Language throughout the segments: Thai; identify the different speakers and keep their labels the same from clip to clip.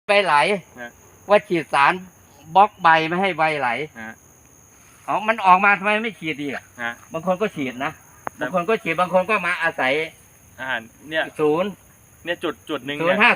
Speaker 1: ใบไหลว่าฉีดสารบล็อกใบไม่ให้ใบไหลอ๋อมันออกมาทำไมไม่ฉีดดีอ่ะบางคนก็ฉีดนะบางคนก็ฉีดบางคนก็มาอาศัย
Speaker 2: เนี่ย
Speaker 1: ศูนย์
Speaker 2: เนี่ยจุดหนึ่ง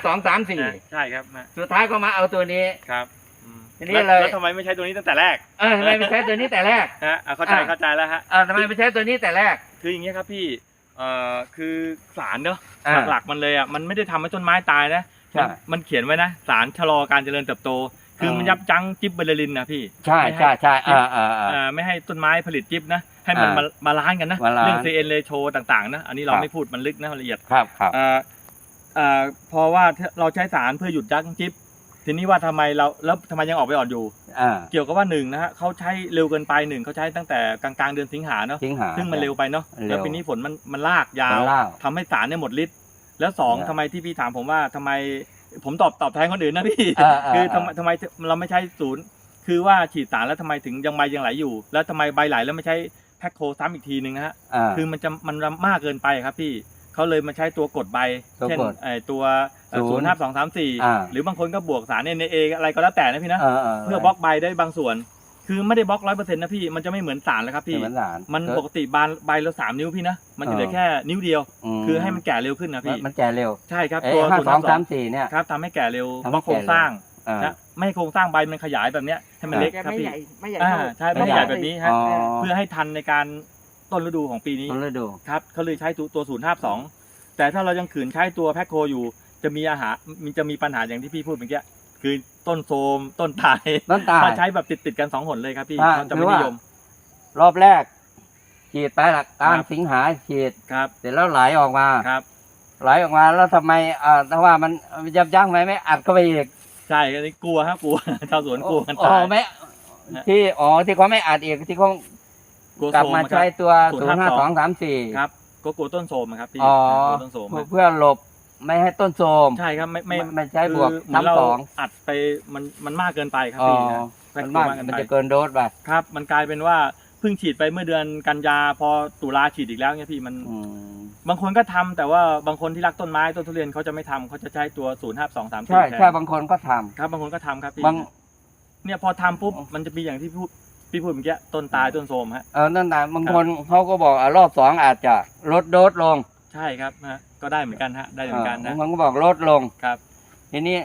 Speaker 1: 05234
Speaker 2: ใช่ครับ
Speaker 1: สุดท้ายก็มาเอาตัวนี้
Speaker 2: ครับ
Speaker 1: ทีนี้เลย
Speaker 2: แล้วทำไมไม่ใช้ตัวนี้ตั้งแต่แรก
Speaker 1: ทำไมไม่ใช้ตัวนี้แต่แรก
Speaker 2: เข้าใจแล้วฮะ
Speaker 1: ทำไมไม่ใช้ตัวนี้แต่แรก
Speaker 2: คืออย่างเงี้ยครับพี่คือสารเนอะหลักมันเลยอ่ะมันไม่ได้ทำให้ต้นไม้ตายนะมันเขียนไว้นะสารชะลอการเจริญเติบโตคือมันยับยั้งจิบเบอร์ลินนะพี่
Speaker 1: ใช่
Speaker 2: ไม่ให้ต้นไม้ผลิตจิบนะให้มันบาลานซ์กันนะเรื่อง CN ratio ต่างๆนะอันนี้เราไม่พูดมันลึกนะละเอียด
Speaker 1: ครับ
Speaker 2: เพราะว่าเราใช้สารเพื่อหยุดยั้งจิบทีนี้ว่าทำไมแล้วทำไมยังออกไปอ่อนอยู่เกี่ยวกับว่า1นะฮะเขาใช้เร็วเกินไป1เขาใช้ตั้งแต่กลางเดือนสิงหาเนาะซึ่งมันเร็วไปเนาะแล้วปีนี้ฝนมันลากยาวทำให้สารเนี่ยหมดฤทธิ์แล้ว2ทำไมที่พี่ถามผมว่าทำไมผมตอบแทนคนอื่นนะพี่คือทำไมเราไม่ใช้ศูนย์คือว่าฉีดสารแล้วทำไมถึงยังใบยังไหลอยู่แล้วทำไมใบไหลแล้วไม่ใช้แพ็คโคซ้ำอีกทีนึงนะฮะคือมันมากเกินไปครับพี่เขาเลยมาใช้ตัวกดใบเช่นตัว05234หรือบางคนก็บวกสารNAอะไรก็แล้วแต่นะพี่นะเพื่อบล็อกใบได้บางส่วนคือไม่ได้บล็อก100%นะพี่มันจะไม่เหมือนสารแล้วครับพี่มันปกติใบละ3 นิ้วพี่นะมันจะเหลือแค่นิ้วเดียวคือให้มันแก่เร็วขึ้นนะพี่
Speaker 1: มันแก่เร็ว
Speaker 2: ใช่ครับตัว
Speaker 1: 05234เนี่ย
Speaker 2: ครับทำให้แก่เร็วบล็อกโครงสร้างนะไม่ให้โครงสร้างใบมันขยายแบบเนี้ยให้มันเล็กครับพี่
Speaker 3: ไม่ใหญ่
Speaker 2: ใช่ไม่ใหญ่แบบนี้ฮะเพื่อให้ทันในการต้นฤดูของปีนี้ครับเขาเลยใช้ตัว052แต่ถ้าเรายังขืนใช้ตัวแพ็คโคอยู่จะมีปัญหาอย่างที่พี่พูดเมื่อกี้คือต้นโทรมต้นตายถ้าใช้แบบติดกัน2 หนเลยครับพี่เขาจะไม่นิยม
Speaker 1: รอบแรกฉีดไปหลักกลางสิงหาฉีดเสร็จแล้วไหลออกมาไหลออกมาแล้วทำไมถ้าว่ามันยับยั้งไหมไม่อัดเข้าไปอีก
Speaker 2: ใช่ก็กลัวครับกลัวชาวสวนกลัวกันตาย
Speaker 1: ไม่ที่เขาไม่อัดอีกที่เขากลับมาใช้ตัว05234
Speaker 2: ครับก็กลัวต้นโทรมครับพี่ต้นโทรม
Speaker 1: เพื่อหลบไม่ให้ต้นโทรม
Speaker 2: ใช่ครับ
Speaker 1: ไม่ใช้บวก
Speaker 2: 3-2อัดไปมันมากเกินไปครับพี่
Speaker 1: มันจะเกินโดสไป
Speaker 2: ครับมันกลายเป็นว่าเพิ่งฉีดไปเมื่อเดือนกันยาพอตุลาฉีดอีกแล้วเนี่ยพี่มันบางคนก็ทำแต่ว่าบางคนที่รักต้นไม้ต้นทุเรียนเขาจะไม่ทำเขาจะใช้ตัว05234
Speaker 1: ใช่บางคนก็ทำ
Speaker 2: ครับบางคนก็ทำครับพี่เนี่ยพอทำปุ๊บมันจะมีอย่างที่พี่พูดเมื่อกี้ต้นตายต้นโทรมฮะ
Speaker 1: นั่นแต่บางคนเขาก็บอกรอบ2อาจจะลดโดสลง
Speaker 2: ใช่ครับฮะก็ได้เหมือนกันฮะได้เหมือนกันนะ
Speaker 1: บางคนก็บอกลดลง
Speaker 2: ครับ
Speaker 1: ทีนี้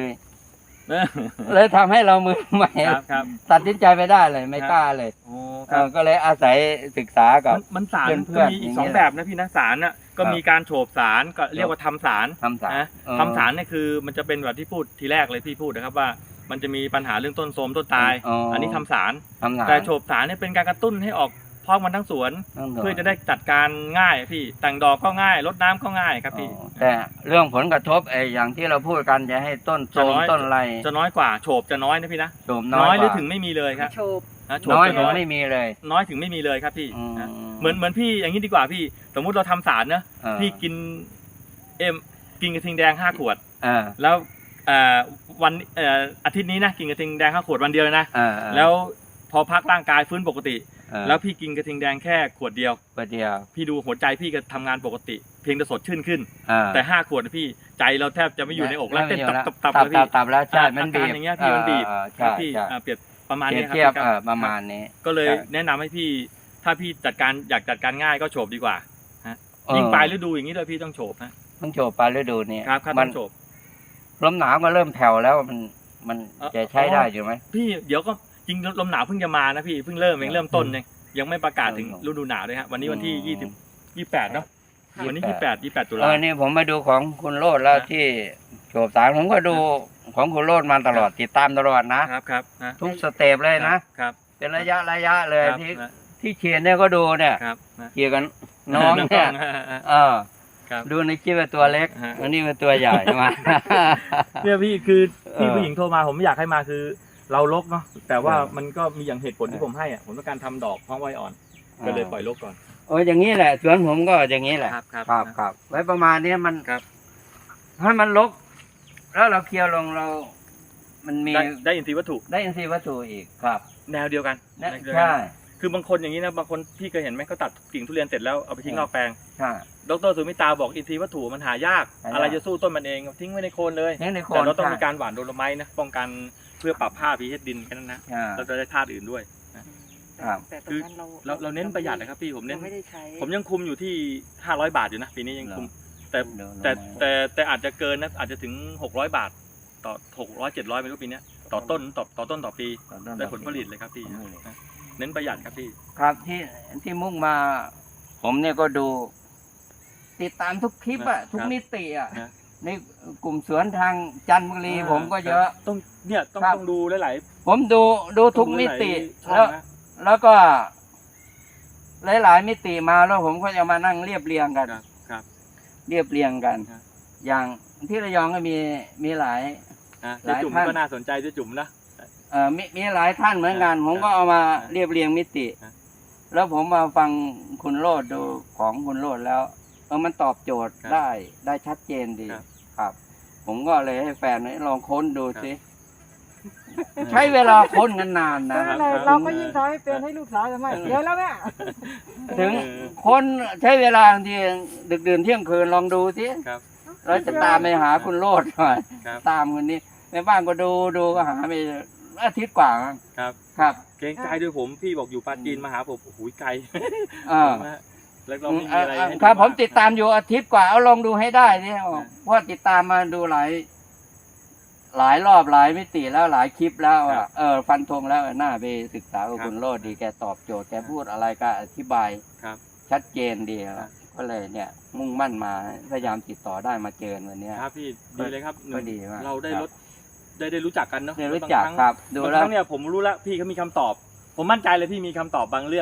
Speaker 1: เลยทำให้เรามือใหม่ตัดสินใจไม่ได้เลยไม่กล้าเลยก็เลยอาศัยศึกษากับ
Speaker 2: มันสารก็มีอีก2แบบนะพี่นะสารน่ะก็มีการโฉบสารก็เรียกว่าทำสารนะทำสารเนี่ยคือมันจะเป็นแบบที่พูดทีแรกเลยพี่พูดนะครับว่ามันจะมีปัญหาเรื่องต้นโทรมต้นตายอันนี้ทำสารแต่โฉบสารเนี่ยเป็นการกระตุ้นให้ออกพร้อมกันทั้งสวนเพื่อจะได้จัดการง่ายพี่แต่งดอกก็ง่ายรดน้ำก็ง่ายครับพี่
Speaker 1: แต่เรื่องผลกระทบอย่างที่เราพูดกันจะให้ต้นโทรมต้นไร
Speaker 2: จะน้อยกว่าโฉบจะน้อยนะพี่นะน้อยหรือถึงไม่มีเลยครับ
Speaker 3: โฉบ
Speaker 1: น้อยถึงไม่มีเลย
Speaker 2: น้อยถึงไม่มีเลยครับพี่เหมือนพี่อย่างนี้ดีกว่าพี่สมมุติเราทำสารนะพี่กินกระทิงแดง5 ขวดแล้ววันอาทิตย์นี้นะกินกระทิงแดง5 ขวดวันเดียวเลยนะแล้วพอพักร่างกายฟื้นปกติแล้วพี่กินกระทิงแดงแค่ขวดเดียวพี่ดูหัวใจพี่ก็ทำงานปกติเพียงแต่สดชื่นขึ้นแต่5 ขวดพี่ใจเราแทบจะไม่อยู่ในอกแล้วเต้นตับแล้วพี่
Speaker 1: แล้วใช่มันบีบ
Speaker 2: อย่างเงี้ยพี่มันบีบพี่เปรียบประมาณนี้
Speaker 1: ครับประมาณนี้
Speaker 2: ก็เลยแนะนำให้พี่ถ้าพี่อยากจัดการง่ายก็โฉบดีกว่ายิ่งปลายฤดูอย่างนี้เลยพี่ต้องโฉบนะ
Speaker 1: ต้องโฉบปลายฤดูนี่
Speaker 2: ครับต้องโฉบ
Speaker 1: ลมหนาวก็เริ่มแผ่วแล้วมันจะใช้ได้อยู่ไหม
Speaker 2: พี่เดี๋ยวก็จริงลมหนาวเพิ่งจะมานะพี่เพิ่งเริ่มต้นยังไม่ประกาศถึงฤดูหนาวเลยฮะวันนี้วันที่28เนาะวันนี้28ตุลา
Speaker 1: นี่ผมมาดูของคุณโรจน์แล้วที่โฉบสารผมก็ดูของคุณโรจน์มาตลอดติดตามตลอด
Speaker 2: นะครับ
Speaker 1: ทุกสเต็ปเลยนะครับเป็นระยะเลยที่เชียร์เนี่ยก็ดูเนี่ยเชียร์กันน้องเนี่ยดูในคลิปเป็นตัวเล็กอันนี้เป็นตัวใหญ่มา
Speaker 2: เนี่ยพี่คือพี่ผู้หญิงโทรมาผมไม่อยากให้มาคือเราลกเนาะแต่ว่ามันก็มีอย่างเหตุผลที่ผมให้ผมต้องการทำดอกพร้อมไว้อ่อนก็เลยปล่อยลกก่อน
Speaker 1: อย่างนี้แหละสวนผมก็อย่างนี้แหละครับไว้ประมาณนี้มันให้มันลกแล้วเราเคลียร์ลงมันมี
Speaker 2: ได้อินทรีย์วัตถุ
Speaker 1: อีกครับ
Speaker 2: แนวเดียวกัน
Speaker 1: ใช่
Speaker 2: คือบางคนอย่างนี้นะบางคนพี่เคยเห็นไหมเขาตัดกิ่งทุเรียนเสร็จแล้วเอาไปทิ้งนอกแปลง
Speaker 1: ใช่
Speaker 2: ดร.สุมิตาบอกอินทรีย์วัตถุมันหายากอะไรจะสู้ต้นมันเองทิ้งไว้ในโคนเลย
Speaker 1: นี่ในโคน
Speaker 2: แต่เราต้อง
Speaker 1: ใช่
Speaker 2: มีการหว่านโดโลไมต์นะป้องกันเพื่อปรับpHดินแค่นั้นนะ เราจะได้ธาตุอื่นด้วย
Speaker 1: ครับ
Speaker 3: แต่ตรงนั้น
Speaker 2: เราเน้นประหยัดนะครับพี่ผมเน้น
Speaker 3: ไม่ได้ใช้
Speaker 2: ผมยังคุมอยู่ที่500 บาทอยู่นะปีนี้ยังคุมแต่อาจจะเกินนะอาจจะถึง600 บาทต่อ600 700ไม่รู้ปีนี้ต่อต้นต่อปีได้ผลผลิตเลยครับพี่เน้นประหยัดครับพี่
Speaker 1: ครับที่มุ่งมา ผมเนี่ยก็ดู ติดตามทุกคลิปอะทุกมิติอะในกลุ่มสวนทางจันทบุรีผมก็เยอะ
Speaker 2: ต้องดูหลายๆ
Speaker 1: ผมดูทุกมิติ
Speaker 2: ช่องนะ
Speaker 1: แล้วก็หลายๆมิติมาแล้วผมก็จะมานั่งเรียบเรียงกัน
Speaker 2: ครับ
Speaker 1: เรียบเรียงกัน
Speaker 2: ครับ
Speaker 1: อย่างที่ระยองก็มีหลาย
Speaker 2: เจ๊จุ๋มก็น่าสนใจเจ๊จุ๋มนะ
Speaker 1: มีหลายท่านเหมือนกัน ผมก็เอามาเรียบเรียงมิติ แล้วผมมาฟังคุณโรดดูของคุณโรดแล้วมันตอบโจทย์ได้ชัดเจนดีครับ ผมก็เลยให้แฟนลองค้นดูสิใช้เวลาค้นกันนานนะ
Speaker 3: เราก็ยิ่งทำให้เป็นให้ลูกสาวทำไมเดี๋ยวแล้วแม่
Speaker 1: ถึงคนใช้เวลาบางทีดึกดื่นเที่ยงคืนลองดูสิเราจะตามไปหาคุณโรดหน่อยตามคนนี้ในบ้านก็ดูก็หาไปอาทิตย์กว่าครับ
Speaker 2: เกรงใจด้วยผมพี่บอกอยู่ปาจีนมาหาผมโอ้โหไกลแล้วเราไม่มีอะไร
Speaker 1: ครับผมติดตามอยู่อาทิตย์กว่าเอาลองดูให้ได้นี่เพราะติดตามมาดูหลายรอบหลายมิติแล้วหลายคลิปแล้วฟันธงแล้วน่าไปศึกษากับคุณโรดดีแกตอบโจทย์แกพูดอะไรก็อธิบายชัดเจนดีก็เลยเนี่ยมุ่งมั่นมาพยายามติดต่อได้มาเจอวันนี้
Speaker 2: ครับพี่ดีเลยครับ
Speaker 1: ก็ดีมาก
Speaker 2: เราได้ได้รู้จักกันเนาะ
Speaker 1: ได้รู้จักครับดูแล้ว
Speaker 2: เนี่ยผมรู้แล้วพี่เขามีคำตอบผมมั่นใจเลยพี่มีคำตอบบางเรื่อง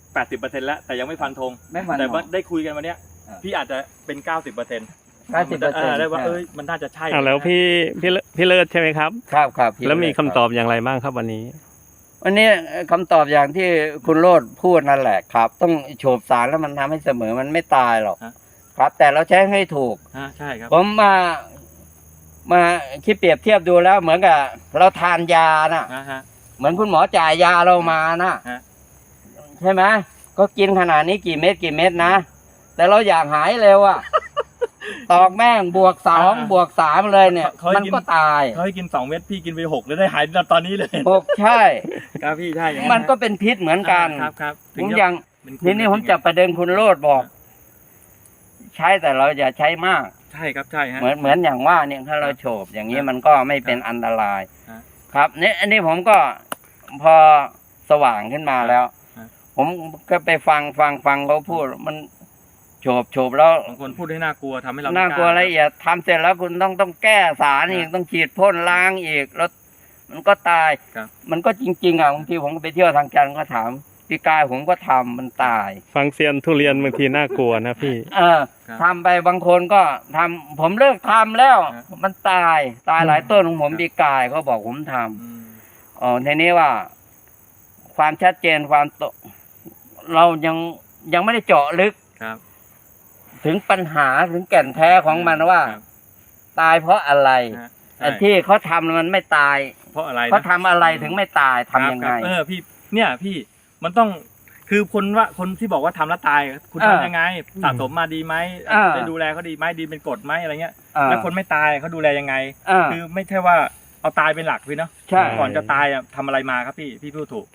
Speaker 2: 80% แล้วแต่ยังไม่ฟันธงแต่ว่าได้คุยกันวันนี้พี่อาจจะเป็น 90%ได้ว่ามันน่าจะใช่
Speaker 4: แล้วพี่เลิศใช่ไหมครับ
Speaker 1: ครับ
Speaker 4: แล้วมีคำตอบอย่างไรบ้างครับวันนี้
Speaker 1: คำตอบอย่างที่คุณโรดพูดนั่นแหละครับต้องโฉบสารแล้วมันทำให้เสมอมันไม่ตายหรอกครับแต่เราใช้ให้ถูก
Speaker 2: ใช่ครับ
Speaker 1: ผมมาคิดเปรียบเทียบดูแล้วเหมือนกับเราทานยานะเหมือนคุณหมอจ่ายยาเรามานะใช่ไหมก็กินขนาดนี้กี่เม็ดนะแต่เราอยากหายเร็วอะตอกแม่งบวก2บวก3เลยเนี่ยมันก็ตาย
Speaker 2: เขาให้กิน2 เม็ดพี่กินไป6แล้วได้หายตอนนี้เลย
Speaker 1: 6ใช่
Speaker 2: ครับพี่ใช่
Speaker 1: มันก็เป็นพิษเหมือนกัน
Speaker 2: ครับ
Speaker 1: ผมยังทีนี้ผมจับประเด็นคุณโรดบอก ใช้แต่เราอย่าใช้มาก
Speaker 2: ใช่ครับใช่ฮะ
Speaker 1: เหมือนอย่างว่าเนี่ยถ้าเราโฉบอย่างนี้มันก็ไม่เป็นอันตรายครับเนี่ยอันนี้ผมก็พอสว่างขึ้นมาแล้วผมก็ไปฟังเขาพูดมันโฉบแล้ว
Speaker 2: บางคนพูดให้น่ากลัวทำให้เรา
Speaker 1: น่ากลัวละเอียดทำเสร็จแล้วคุณต้องแก้สารอีกต้องฉีดพ่นล้างอีกแล้วมันก็ตายมันก็จริงๆบางทีผมไปเที่ยวทางจันทร์ก็ถามพี่กายผมก็ทำมันตาย
Speaker 4: ฟังเซียนทุเรียนบางทีน่ากลัวนะพี่
Speaker 1: ทำไปบางคนก็ทำผมเลิกทำแล้วมันตายหลายต้นของผมพี่กายเขาบอกผมทำทีนี้ว่าความชัดเจนเรายังไม่ได้เจาะลึกถึงปัญหาถึงแก่นแท้ของมันว่าตายเพราะอะไรที่เขาทำมันไม่ตาย
Speaker 2: เพราะอะไร
Speaker 1: เขาทำอะไรถึงไม่ตายทำยังไง
Speaker 2: พี่มันต้องคือคนที่บอกว่าทำแล้วตายคุณทำยังไงสะสมมาดีไหมได้ดูแลเขาดีไหมดีเป็นกฎไหมอะไรเงี้ยแล้วคนไม่ตายเขาดูแลยังไงคือไม่ใช่ว่าเอาตายเป็นหลักพี่เนาะก่อนจะตายทำอะไรมาครับพี่พูดถูก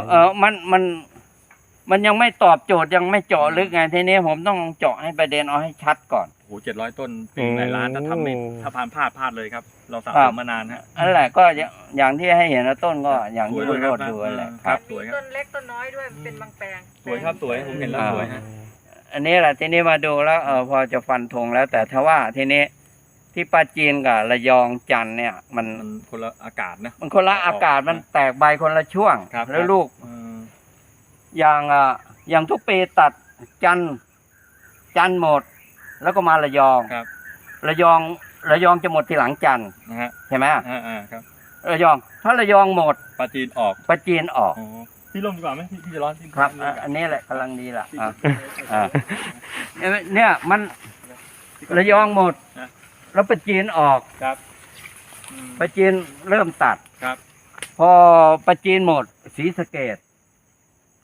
Speaker 1: มันยังไม่ตอบโจทย์ยังไม่เจาะลึกไงทีนี้ผมต้องเจาะให้ประเด็นเอาให้ชัดก่อน
Speaker 2: โอ้700 ต้นปีหลายล้านถ้าทำไม่ถ้าพลาดเลยครับเราสะสมมานานฮะ
Speaker 1: นั่นแหละก็อย่างที่ให้เห็นต้นก็อย่างที่โรดดูแหละครับ
Speaker 3: มีต้นเล็กต้นน้อยด้วยเป็นบางแปลง
Speaker 2: สวยครับสวยผมเห็นแล้วสวยฮะ
Speaker 1: อันนี้แหละทีนี้มาดูแล้วพอจะฟันธงแล้วแต่ถ้าว่าทีนี้ที่ปราจีนกับระยองจันทร์เนี่ยมัน
Speaker 2: คนละอากาศนะ
Speaker 1: มันคนละอากาศมันแตกใบคนละช่วงแล้วลูกอย่างทุกปีตัดจันทร์หมดแล้วก็มาระยองระยองจะหมดทีหลังจันทร์ใช่ไหม
Speaker 2: ครับ
Speaker 1: ระยองถ้าระยองหมด
Speaker 2: ปราจีนออกพี่ลงดีกว่าไหมพี่จะร้อน
Speaker 1: ครับอันนี้แหละกำลังดีล่ะเนี่ยมันระยองหมดแล้วปราจีนออกปราจีนเริ่มตัดพอปราจีนหมดศรีสะเกษ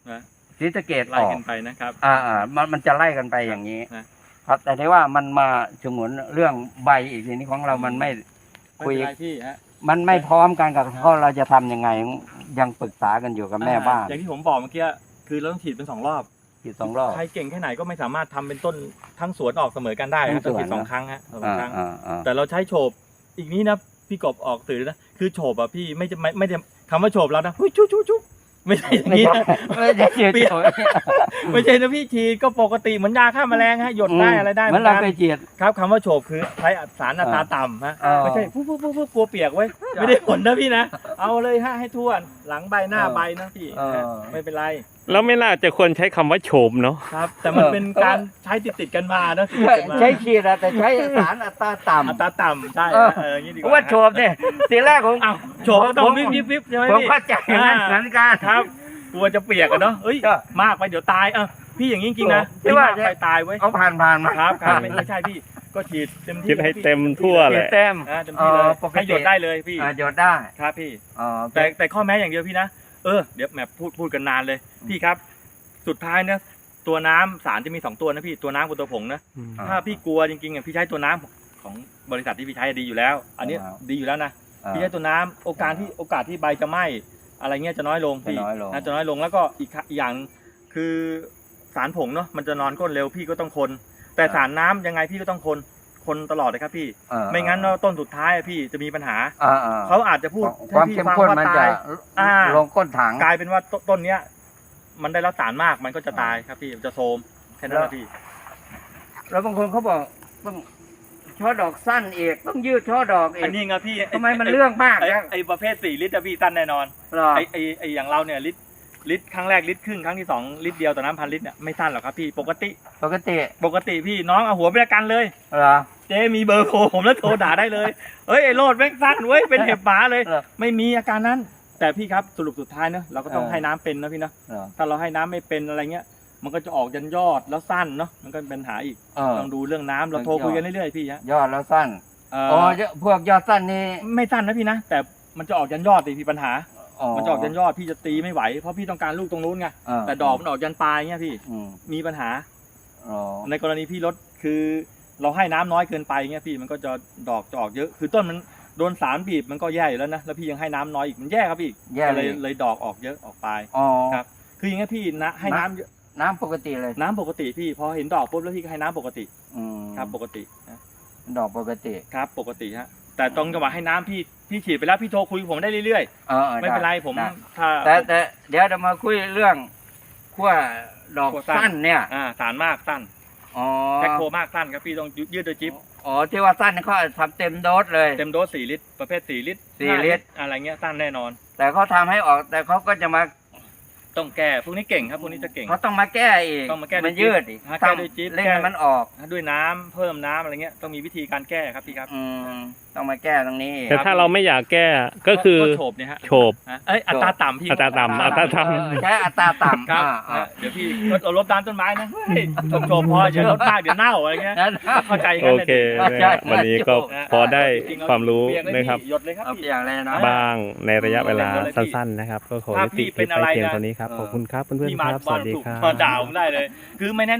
Speaker 2: นะ
Speaker 1: ศรีสะเกษ
Speaker 2: ไล่
Speaker 1: ออก
Speaker 2: กันไปนะครับ
Speaker 1: มันจะไล่กันไปอย่างนี้
Speaker 2: นะ
Speaker 1: ครับแต่ที่ว่ามันมาฉงนเรื่องใบอีกทีนี้ของเรามันไม่
Speaker 2: ไม่
Speaker 1: คุย
Speaker 2: เป็นไรพี่ฮะ
Speaker 1: มันไม่พร้อมกันกับเขาเราจะทำยังไงยังปรึกษากันอยู่กับแม่บ้าน
Speaker 2: อย่างที่ผมบอกเมื่อกี้คือเราต้องฉีดเป็น2 รอบ
Speaker 1: ฉีด2 รอบ
Speaker 2: ใครเก่งแค่ไหนก็ไม่สามารถทำเป็นต้นทั้งสวนออกเสมอกันได้
Speaker 1: ทั้
Speaker 2: นะ
Speaker 1: งสวน
Speaker 2: ต้องฉีด2 ครั้งฮะสองครั้ง
Speaker 1: อ่า
Speaker 2: แต่เราใช้โฉบอีกนี้นะพี่กบออกสื่อนะคือโฉบอะพี่ไม่ได้คำว่าโฉบแล้วนะชุบชุบไม่ใช่อย่าง
Speaker 1: ไม่
Speaker 2: นี้
Speaker 1: ใช่
Speaker 2: นะ
Speaker 1: ไม่ใช่ฉีด
Speaker 2: ไม่ใช่นะพี่ฉีดก็ปกติเหมือนยาฆ่าแมลงฮะหยดได้อะไรได้
Speaker 1: เหมือนเรา
Speaker 2: กั
Speaker 1: ไปฉีด
Speaker 2: ครับคำว่าโฉบคือใช้สารอัตราต่ำฮะ
Speaker 1: อ่า
Speaker 2: ไม่ใช่ปุ๊บกลัวเปียกไว้ยไม่ได้ผลนะพี่นะเอาเลยฮะให้ทั่วหลังใบหน้าใบนะพี่ฮะไม่เป็นไร
Speaker 4: แล้วไม่น่าจะควรใช้คำว่าโฉมเนาะ
Speaker 2: ครับแต่มันเป็นการใช้ติดกันมานะติดกันมา
Speaker 1: ใช้ฉีดอะแต่ใช้สารอัตราต่ำ
Speaker 2: อัตราต่ำใช่
Speaker 1: เออ
Speaker 2: อย่างนี้ดีก
Speaker 1: เพราะ
Speaker 2: ว่า
Speaker 1: ว่าโฉบเนี่ยทีแรกผม
Speaker 2: อ้าวโฉบก็ต้องวิบใช่ไหม
Speaker 1: ผม
Speaker 2: พี่
Speaker 1: เข้าใจอย่างนั้นเหมือนกัน
Speaker 2: ครับกลัวจะเปียกอะเนาะเอ้ย
Speaker 1: ก็
Speaker 2: มากไปเดี๋ยวตายพี่อย่างนี้จริงๆนะ
Speaker 1: ที่ว่า
Speaker 2: มากไปตายไว้ย
Speaker 1: เอาผ่านมา
Speaker 2: ครับไม่ใช่พี่ก็ฉีดเต็มที่
Speaker 4: คิดให้เต็มทั่ว
Speaker 1: ฉี
Speaker 4: แห
Speaker 1: ด
Speaker 4: ละ
Speaker 1: เต็ม
Speaker 2: เต็มที่เลย
Speaker 1: ปกติ
Speaker 2: ให้หยดได้เลยพี่
Speaker 1: หยดได้
Speaker 2: ครับพี่
Speaker 1: อ๋อ
Speaker 2: แต่ข้อแม้อย่างเดียวพี่นะเดี๋ยวแหมพูดกันนานเลยพี่ครับ สุดท้ายเนี่ยตัวน้ำสารจะมี2 ตัวนะพี่ตัวน้ำกับตัวผงนะ ถ้าพี่กลัวจริงๆอ่ะพี่ใช้ตัวน้ำของบริษัทที่พี่ใช้ดีอยู่แล้ว อันนี้ดีอยู่แล้วนะพี่ใช้ตัวน้ำโอกาสที่ใบจะไหม้อะไรเงี้ยจะน้อยลงพี่ จะน้อยลงแล้วก็อีกอย่างคือสารผงเนาะมันจะนอนก้นเร็วพี่ก็ต้องคน แต่สารน้ำยังไงพี่ก็ต้องคนตลอดเลยครับพี่ ไม่งั้นต้นสุดท้ายพี่จะมีปัญหาเขาอาจจะพูด
Speaker 1: ความ
Speaker 2: ให้พี่
Speaker 1: เข้ม
Speaker 2: ฟัง
Speaker 1: ข้น
Speaker 2: ว่า
Speaker 1: มันจะ
Speaker 2: ตาย
Speaker 1: ลงก้นถัง
Speaker 2: กลายเป็นว่าต้นเนี้ยมันได้รับสารมากมันก็จะตายครับพี่จะโทรมแค่นั้นแหละพี่
Speaker 1: แล้วบางคนเขาบอกต้องช่อดอกสั้นอีกต้องยืดช่อดอกอี
Speaker 2: อั
Speaker 1: ก
Speaker 2: นนี้ไงพี่
Speaker 1: ทำไมมันเรื่องมากจัง
Speaker 2: ไอ้ประเภท4 ลิตรอะพี่สั้นแน่นอน
Speaker 1: เหรอ
Speaker 2: ไอ้อย่างเราเนี่ยลิตรครั้งแรกลิตรครึ่งครั้งที่2 ลิตรเดียวต่อน้ำ1,000 ลิตรเนี่ยไม่สั้นหรอกครับพี่ปกติพี่น้องเอาหัวไปประกันเลย
Speaker 1: เหรอ
Speaker 2: เจ๊มีเบอร์โทรผมแล้วโทรด่าได้เลยเอ้ยไอ้โลดแม่งสั้นเว้ยเป็นเห็บหมาเลย
Speaker 1: เหรอ
Speaker 2: ไม่มีอาการนั้น แต่พี่ครับสรุปสุดท้ายเนอะเราก็ต้อง
Speaker 1: เออ
Speaker 2: ให้น้ำเป็นนะพี่นะ
Speaker 1: เหรอ
Speaker 2: ถ้าเราให้น้ำไม่เป็นอะไรเงี้ยมันก็จะออกยันยอดแล้วสั้นเนาะมันก็เป็นปัญหาอีก ต้องดูเรื่องน้ำเราโทรคุยกันเรื่อยๆพี่ฮะ
Speaker 1: ยอดแล้วสั้น
Speaker 2: อ๋
Speaker 1: อ๋อพวกยอดสั้นนี่
Speaker 2: ไม่สั้นนะพี่นะแต่มันจะออกยันยอดดิพี่ปัญหา มันจะออกยันยอดพี่จะตีไม่ไหวเพราะพี่ต้องการลูกตรงนู้นไงแต่ดอกมันออกยันปลายเงี้ยพี่มีปัญหา ในกรณีพี่ลดคือเราให้น้ำน้อยเกินไปเงี้ยพี่มันก็จะดอกจะออกเยอะคือต้นมันโดนสารบีบมันก็แย่อยู่แล้วนะแล้วพี่ยังให้น้ำน้อยอีกมันแย่ครับพี่
Speaker 1: แย่
Speaker 2: ก็
Speaker 1: เลย
Speaker 2: เลยดอกออกเยอะออกปลาย
Speaker 1: อ๋อ
Speaker 2: ครับ คืออย่างเงี้ยพี่นะให้น้ำเยอะ
Speaker 1: น้ำปกติเลย
Speaker 2: น้ำปกติพี่พอเห็นดอกปุ๊บแล้วพี่ก็ให้น้ำปกติครับปกตินะ
Speaker 1: ดอกปกติ
Speaker 2: ครับปกติฮะแต่ตรงจังหวะให้น้ำพี่ฉีดไปแล้วพี่โทรคุยกับผมได้เรื่อยๆไม่เป็นไรผมถ้า
Speaker 1: แต่เดี๋ยวจะมาคุยเรื่องขั้วดอกสั้นเนี่ย
Speaker 2: สารมากสั้น
Speaker 1: อ๋อ
Speaker 2: แพ็คโคมากสั้นครับพี่ต้องยืดโดยจิ๊บ
Speaker 1: อ๋อที่ว่าสั้นเขาทำเต็มโดสเลย
Speaker 2: เต็มโดส4 ลิตรประเภท4 ลิตร
Speaker 1: 4 ลิตร
Speaker 2: อะไรเงี้ยสั้นแน่นอน
Speaker 1: แต่เขาทำให้ออกแต่เขาก็จะมา
Speaker 2: ต้องแก้พวกนี้เก่งครับพวกนี้จะเก่ง
Speaker 1: เขาต้องมาแก้อีก
Speaker 2: ต้องมาแก้ด้วย
Speaker 1: มันยืดอีก
Speaker 2: แก้ด้วยจิ๊บ
Speaker 1: เล่นให้มันออก
Speaker 2: ด้วยน้ำเพิ่มน้ำอะไรเงี้ยต้องมีวิธีการแก้ครับพี่ครับ
Speaker 1: ต้องมาแก้ตรงนี้อีก
Speaker 4: แต่ถ้าเราไม่อยากแก้ก็คือ
Speaker 2: โฉบเนี่ยฮะ
Speaker 4: โฉบ
Speaker 2: อัตราต่ำพี่
Speaker 4: อัตราต่ำ
Speaker 1: ใช้อัตราต่ำ
Speaker 2: ครับเดี๋ยวพี่เราลดน้ำต้นไม้นะเฮ้ยโฉบพออย่าลดมากเดี๋ยวเน่าอะไรเงี้ยเข้าใจกัน
Speaker 4: โอ
Speaker 2: เลย
Speaker 4: เควันนี้ก็พอได้ความรู้นะครับ
Speaker 2: หยดเลยครับ
Speaker 1: เอา
Speaker 2: พี่
Speaker 1: อย่างเลยนะ
Speaker 4: บ้างในระยะเวลาสั้นๆนะครับ ก็ขอยุติคลิปไปเพียงเท่านี้ครับขอบคุณครับเพื่อนๆครับสวัสดีครับ
Speaker 2: มาด่าผมได้เลยคือไม่แนะ